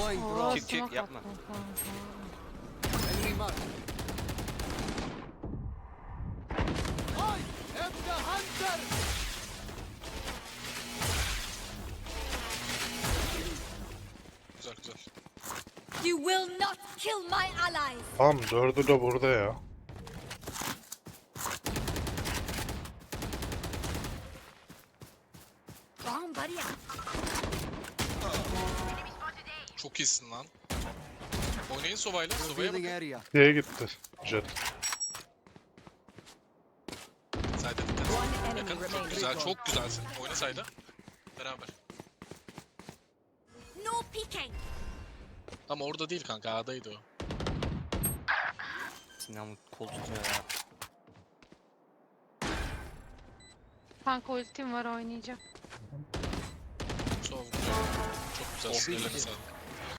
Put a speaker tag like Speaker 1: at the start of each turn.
Speaker 1: Oo,
Speaker 2: Çık
Speaker 1: smoke
Speaker 2: yapma.
Speaker 1: attım kanka.
Speaker 3: Enemy mark. I am the hunter.
Speaker 4: Güzel güzel.
Speaker 5: You will not kill my allies.
Speaker 6: Tamam, dördü de burada ya.
Speaker 5: Bomb buddy out.
Speaker 4: Çok iyisin lan. Oynayın Sova'yla. Sova'ya
Speaker 3: Revealing
Speaker 4: bakın.
Speaker 3: area.
Speaker 6: Diye gitti. Jet.
Speaker 4: Sayda
Speaker 7: One
Speaker 4: dikkat.
Speaker 7: enemy
Speaker 4: Yakın. Çok
Speaker 7: remaining.
Speaker 4: güzel. Çok güzelsin. Oyna Sayda. Beraber.
Speaker 5: No peeking.
Speaker 4: Ama orada değil kanka. A'daydı o.
Speaker 2: Sinan kol tutuyor ya.
Speaker 1: Kanka ultim var, oynayacağım.
Speaker 4: Sova. Çok güzel.
Speaker 2: Of,
Speaker 4: Ellerine
Speaker 2: iyi.
Speaker 4: sağlık.